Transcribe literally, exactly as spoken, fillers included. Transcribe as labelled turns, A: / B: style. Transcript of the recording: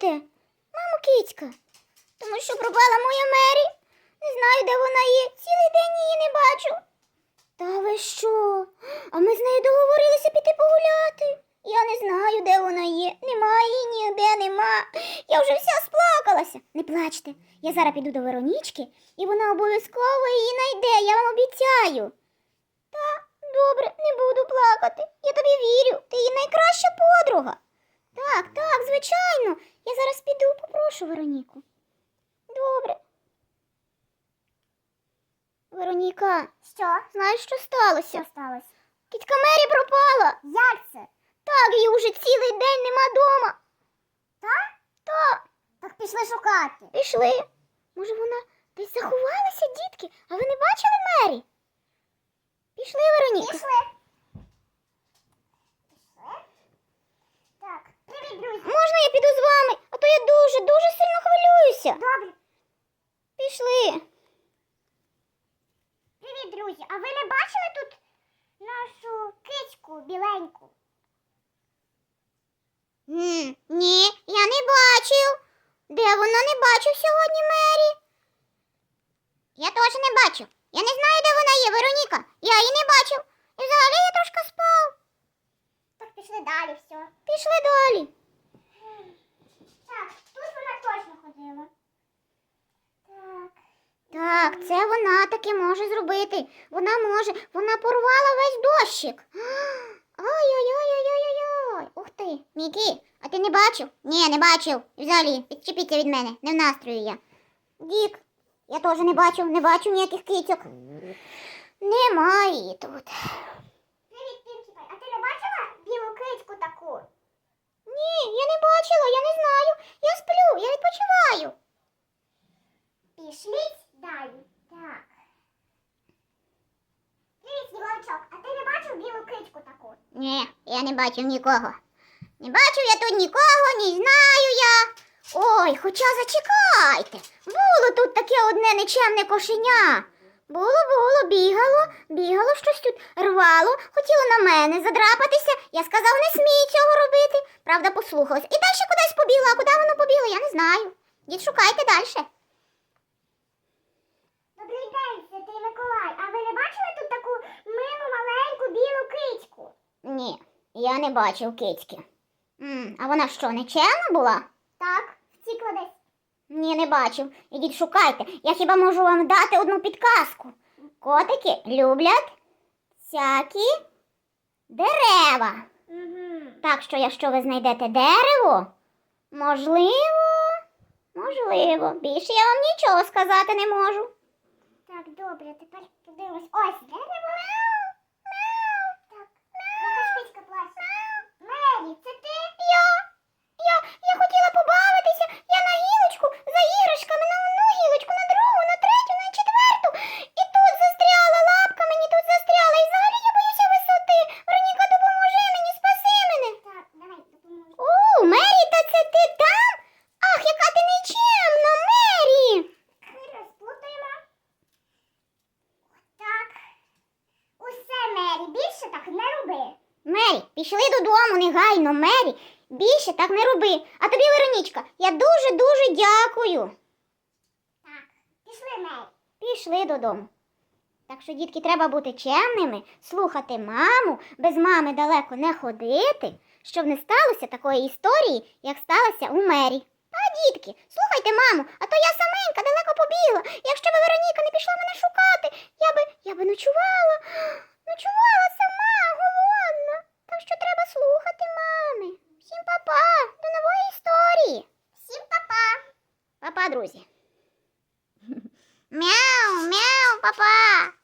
A: шукаєте? Мамо кицька. Тому що пропала моя Мері. Не знаю, де вона є. Цілий день її не бачу. Та ви що? А ми з нею договорилися піти погуляти. Я не знаю, де вона є. Нема її ніде, нема. Я вже вся сплакалася. Не плачте. Я зараз піду до Веронічки, і вона обов'язково її знайде, я вам обіцяю. Та, добре, не буду плакати. Я тобі вірю. Ти її найкраща подруга. Так, так, звичайно. Я зараз піду, попрошу Вероніку. Добре. Вероніка. Що? Знаєш, що сталося? Що сталося? Кітька Мері пропала. Як це? Так, її уже цілий день нема дома. Так? Так. Так пішли шукати. Пішли. Може, вона десь заховалася, дітки? А ви не бачили Мері? Пішли, Вероніка. Пішли. Пішли. Так, привіт, друзі. Можна я піду з вами? А то я дуже, дуже сильно хвилююся. Добре. Пішли. Привіт, друзі. А ви не бачили тут нашу кицьку біленьку? М, ні, я не бачив. Де вона? Не бачив сьогодні Мері. Я теж не бачив. Я не знаю, де вона є, Вероніка. Я її не бачив. І взагалі я трошки спав. Так пішли далі, все. Пішли далі. Так, тут вона точно ходила. Так. Так, це вона таки може зробити. Вона може. Вона порвала весь дощик. Ой-ой-ой-ой-ой-ой. Ух ти, Мікі, а ти не бачив? Ні, не бачив. Взагалі, відчепіться від мене, не в настрою я. Дік, я теж не бачив, не бачив ніяких кицьок. Немає її тут. Привіт, Пінкіпай, а ти не бачила білу кицьку таку? Ні, я не бачила, я не знаю. Я сплю, я відпочиваю. Пішліть далі. Так. Привіт, Снігурочок, а ти не бачив білу кицьку таку? Ні, я не бачив нікого. Не бачив я тут нікого, не знаю я. Ой, хоча зачекайте. Було тут таке одне нечемне кошеня. Було, було, бігало, бігало щось тут, рвало, хотіло на мене задрапатися. Я сказав, не смій цього робити. Правда, послухалась. І далі кудись побігла, а куди воно побігло, я не знаю. Дід, шукайте далі. Добрий день, Святий Миколай. А ви не бачили тут таку милу, маленьку, білу кицьку? Ні, я не бачив кицьки. М, а вона що, нечемна була? Так, втікла десь. Ні, не бачив. Ідіть шукайте. Я хіба можу вам дати одну підказку. Котики люблять всякі дерева. Угу. Так що, якщо ви знайдете дерево, можливо, можливо. Більше я вам нічого сказати не можу. Так, добре, тепер подивимось. Ось дерево. Мяу, мяу. Так, мяу. Якась кицька плаче. Мері, це ти? Я. Я, я хотіла побавитися. Я на гілочку за іграшками, на одну гілочку, на другу, на третю, на четверту. І тут застряла, лапка мені тут застряла. І взагалі я боюся висоти. Вероніка, допоможи мені, спаси мене. Так, давай, допоможу. О, Мері, та це ти там? Ах, яка ти нечемна, Мері. Розплутаємо. Так. Усе, Мері, більше так не роби. Мері, пішли додому негайно, Мері. Більше так не роби. А тобі, Веронічка, я дуже-дуже дякую. Так, пішли, Мері. Пішли додому. Так що, дітки, треба бути чемними, слухати маму, без мами далеко не ходити, щоб не сталося такої історії, як сталося у Мері. А, дітки, слухайте маму, а то я саменька далеко побігла. Якщо б Вероніка не пішла мене шукати, я би, я би ночувала, ночувала сама, голодна. Так що треба слухати мами. Всім па-па, до нової історії. Всім па-па. Па-па, друзі. Мяу, мяу, па-па.